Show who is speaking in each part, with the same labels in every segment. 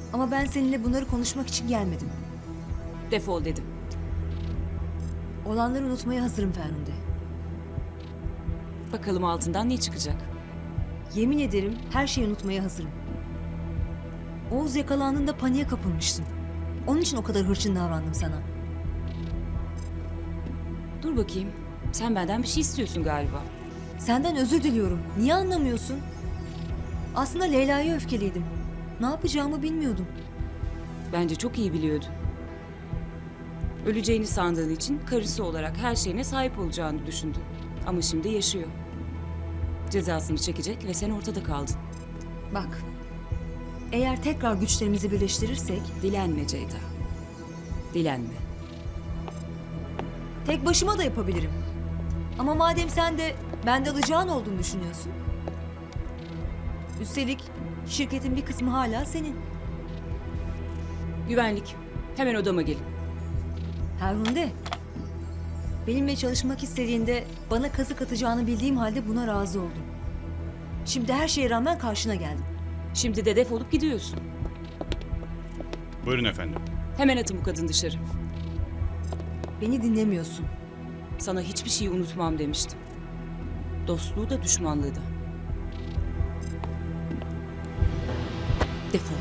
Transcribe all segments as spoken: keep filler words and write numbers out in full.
Speaker 1: Ama ben seninle bunları konuşmak için gelmedim.
Speaker 2: Defol dedim.
Speaker 1: Olanları unutmaya hazırım Ferhunde.
Speaker 2: Bakalım altından ne çıkacak?
Speaker 1: Yemin ederim her şeyi unutmaya hazırım. Oğuz yakalandığında paniğe kapılmıştım. Onun için o kadar hırçın davrandım sana.
Speaker 2: Dur bakayım. Sen benden bir şey istiyorsun galiba.
Speaker 1: Senden özür diliyorum. Niye anlamıyorsun? Aslında Leyla'ya öfkeliydim. Ne yapacağımı bilmiyordum.
Speaker 2: Bence çok iyi biliyordun. Öleceğini sandığın için karısı olarak her şeyine sahip olacağını düşündün. Ama şimdi yaşıyor. Cezasını çekecek ve sen ortada kaldın.
Speaker 1: Bak, eğer tekrar güçlerimizi birleştirirsek
Speaker 2: Dilenme Ceyda. Dilenme.
Speaker 1: tek başıma da yapabilirim. Ama madem sen de bende alacağın olduğunu düşünüyorsun. Üstelik şirketin bir kısmı hala senin.
Speaker 2: Güvenlik. Hemen odama gelin.
Speaker 1: Ferhunde, benimle çalışmak istediğinde bana kazık atacağını bildiğim halde buna razı oldum. Şimdi her şeye rağmen karşına geldim.
Speaker 2: Şimdi de defolup gidiyorsun.
Speaker 3: Buyurun efendim.
Speaker 2: Hemen atın bu kadın dışarı.
Speaker 1: Beni dinlemiyorsun.
Speaker 2: Sana hiçbir şeyi unutmam demiştim. Dostluğu da düşmanlığı da. Defol.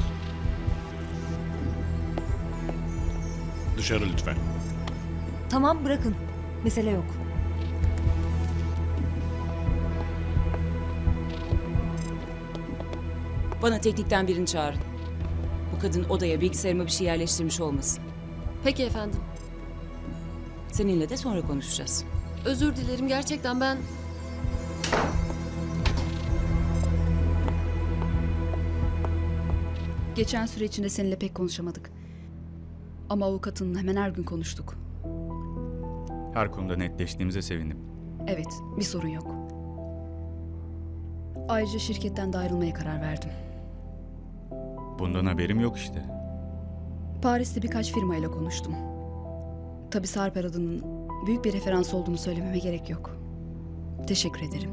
Speaker 3: Dışarı lütfen.
Speaker 1: Tamam, bırakın. Mesele yok.
Speaker 2: Bana teknikten birini çağırın. Bu kadın odaya bilgisayarıma bir şey yerleştirmiş olmasın.
Speaker 4: Peki efendim.
Speaker 2: Seninle de sonra konuşacağız.
Speaker 4: Özür dilerim gerçekten ben...
Speaker 5: Geçen süre içinde seninle pek konuşamadık. Ama avukatınla hemen her gün konuştuk.
Speaker 6: Her konuda netleştiğimize sevindim.
Speaker 5: Evet, bir sorun yok. Ayrıca şirketten de ayrılmaya karar verdim.
Speaker 6: Bundan haberim yok işte.
Speaker 5: Paris'te birkaç firmayla konuştum. Tabii Sarper adının büyük bir referans olduğunu söylememe gerek yok. Teşekkür ederim.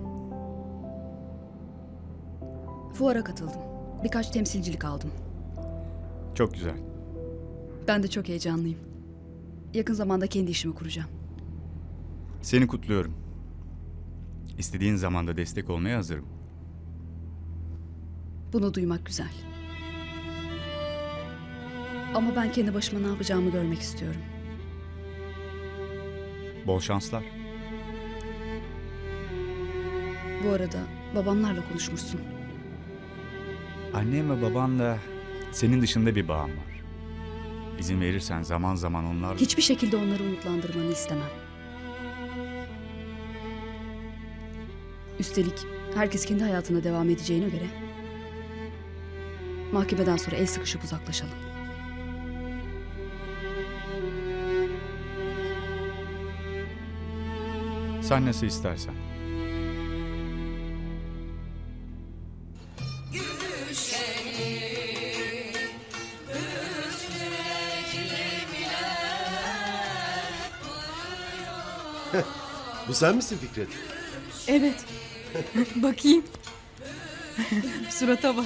Speaker 5: Fuara katıldım. Birkaç temsilcilik aldım.
Speaker 6: Çok güzel.
Speaker 5: Ben de çok heyecanlıyım. Yakın zamanda kendi işimi kuracağım.
Speaker 6: Seni kutluyorum. İstediğin zamanda destek olmaya hazırım.
Speaker 5: Bunu duymak güzel. Ama ben kendi başıma ne yapacağımı görmek istiyorum.
Speaker 6: Bol şanslar.
Speaker 5: Bu arada babamlarla konuşmuşsun.
Speaker 6: Annem ve babanla senin dışında bir bağım var. İzin verirsen zaman zaman onlar...
Speaker 5: Hiçbir şekilde onları umutlandırmanı istemem. Üstelik herkes kendi hayatına devam edeceğine göre mahkemeden sonra el sıkışıp uzaklaşalım.
Speaker 6: Sen nasıl istersen.
Speaker 7: Bu sen misin Fikret?
Speaker 8: Evet. Bakayım. Surata bak.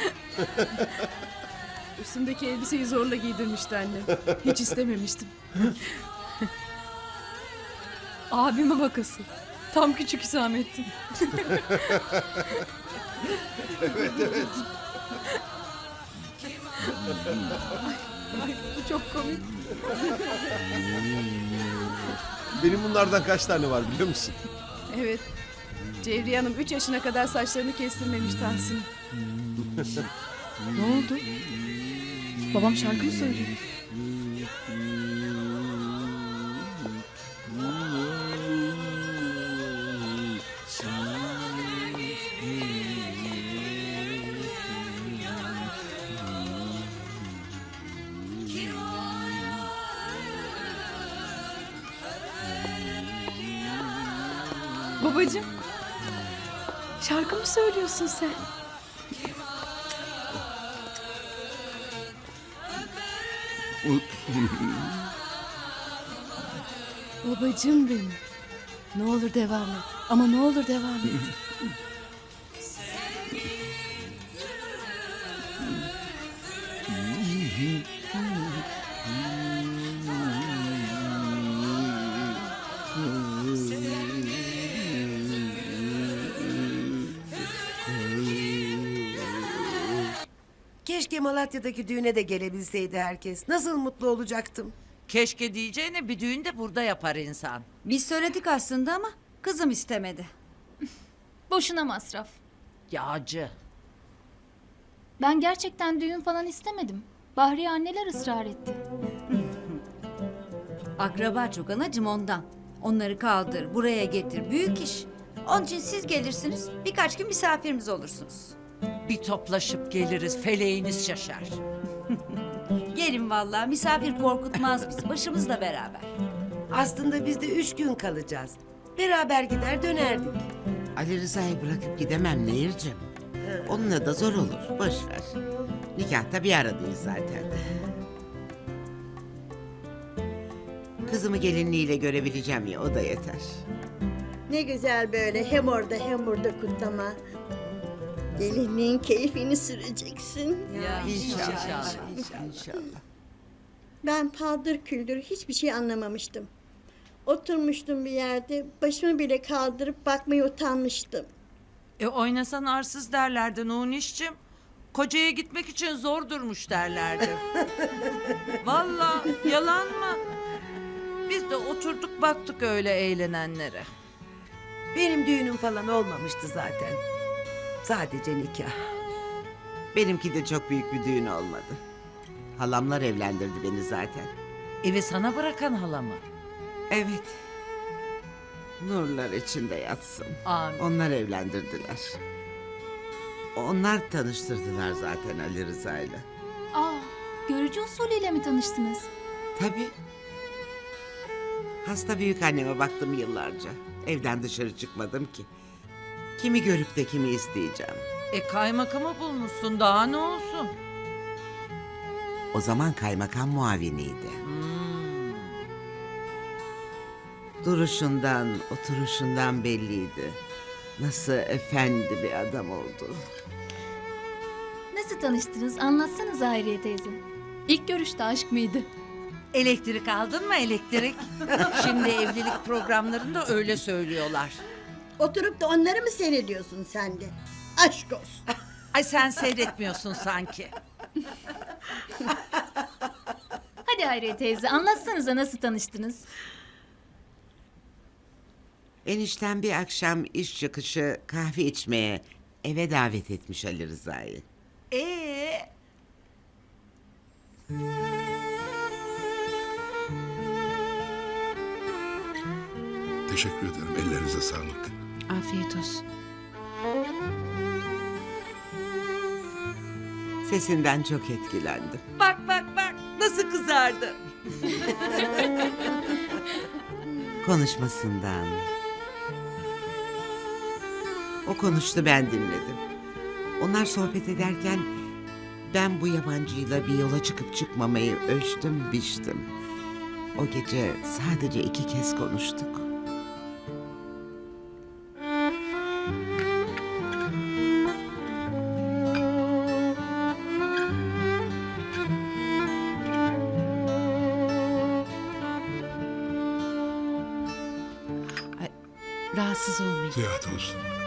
Speaker 8: Üstümdeki elbiseyi zorla giydirmişti annem. Hiç istememiştim. Abime bakası. Tam küçük Hüsamettin.
Speaker 7: Evet evet.
Speaker 8: Ay, bu çok komik.
Speaker 7: Benim bunlardan kaç tane var biliyor musun?
Speaker 8: Evet. Cevriye Hanım üç yaşına kadar saçlarını kestirmemiş Tahsin.
Speaker 5: Ne oldu? Babam şarkı mı söylüyor?
Speaker 8: Babacığım. Şarkı mı söylüyorsun sen? Babacığım benim. Ne olur devam et. Ama ne olur devam et.
Speaker 3: Keşke Malatya'daki düğüne de gelebilseydi herkes. Nasıl mutlu olacaktım.
Speaker 9: Keşke diyeceğine bir düğün de burada yapar insan.
Speaker 10: Biz söyledik aslında ama kızım istemedi.
Speaker 11: Boşuna masraf.
Speaker 9: Yağcı.
Speaker 11: Ben gerçekten düğün falan istemedim. Bahriye anneler ısrar etti.
Speaker 10: Akraba çok anacım ondan. Onları kaldır, buraya getir. Büyük iş. Onun için siz gelirsiniz, birkaç gün misafirimiz olursunuz.
Speaker 9: Bir toplaşıp geliriz, feleğiniz şaşar.
Speaker 10: Gelin vallahi, misafir korkutmaz bizi, başımızla beraber.
Speaker 3: Aslında biz de üç gün kalacağız. Beraber gider dönerdik.
Speaker 12: Ali Rıza'yı bırakıp gidemem Nehir'cim. Onunla da zor olur. Boş ver. Nikahta bir aradayız zaten. Kızımı gelinliğiyle görebileceğim ya, o da yeter.
Speaker 13: Ne güzel böyle hem orada hem burada kutlama. Gelinliğin keyfini süreceksin.
Speaker 10: Ya
Speaker 12: İnşallah. İnşallah.
Speaker 13: Ben paldır küldür hiçbir şey anlamamıştım. Oturmuştum bir yerde, başımı bile kaldırıp bakmaya utanmıştım.
Speaker 9: E oynasan arsız derlerdi Nuniş'cim. Kocaya gitmek için zor durmuş derlerdi. Vallahi yalan mı? Biz de oturduk baktık öyle eğlenenlere.
Speaker 3: Benim düğünüm falan olmamıştı zaten. Sadece nikah.
Speaker 12: Benimki de çok büyük bir düğün olmadı. Halamlar evlendirdi beni zaten.
Speaker 9: Evi sana bırakan hala mı?
Speaker 12: Evet. Nurlar içinde yatsın.
Speaker 9: Amin.
Speaker 12: Onlar evlendirdiler. Onlar tanıştırdılar zaten Ali Rıza'yla.
Speaker 11: Aa, görücü usulüyle mi tanıştınız?
Speaker 12: Tabii. Hasta büyük anneme baktım yıllarca. Evden dışarı çıkmadım ki. Kimi görüp de kimi isteyeceğim.
Speaker 9: E kaymakamı bulmuşsun, daha ne olsun?
Speaker 12: O zaman kaymakam muaviniydi.
Speaker 9: Hmm.
Speaker 12: Duruşundan, oturuşundan belliydi. Nasıl efendi bir adam oldu.
Speaker 11: Nasıl tanıştınız? Anlatsanız Hayriye teyze.
Speaker 8: İlk görüşte aşk mıydı?
Speaker 9: Elektrik aldın mı elektrik? Şimdi evlilik programlarında öyle söylüyorlar.
Speaker 13: Oturup da onları mı seyrediyorsun sen de? Aşk olsun.
Speaker 9: Ay sen seyretmiyorsun sanki.
Speaker 11: Hadi Hayriye teyze anlatsanıza nasıl tanıştınız?
Speaker 12: Enişten bir akşam iş çıkışı kahve içmeye eve davet etmiş Ali Rıza'yı.
Speaker 9: Ee,
Speaker 7: Teşekkür ederim. Ellerinize sağlık.
Speaker 5: Afiyet olsun.
Speaker 12: Sesinden çok etkilendim.
Speaker 9: bak bak bak nasıl kızardı.
Speaker 12: Konuşmasından. O konuştu, ben dinledim. Onlar sohbet ederken ben bu yabancıyla bir yola çıkıp çıkmamayı ölçtüm, biçtim. O gece sadece iki kez konuştuk.
Speaker 5: Rahatsız olmayın.
Speaker 7: Ziyade olsun.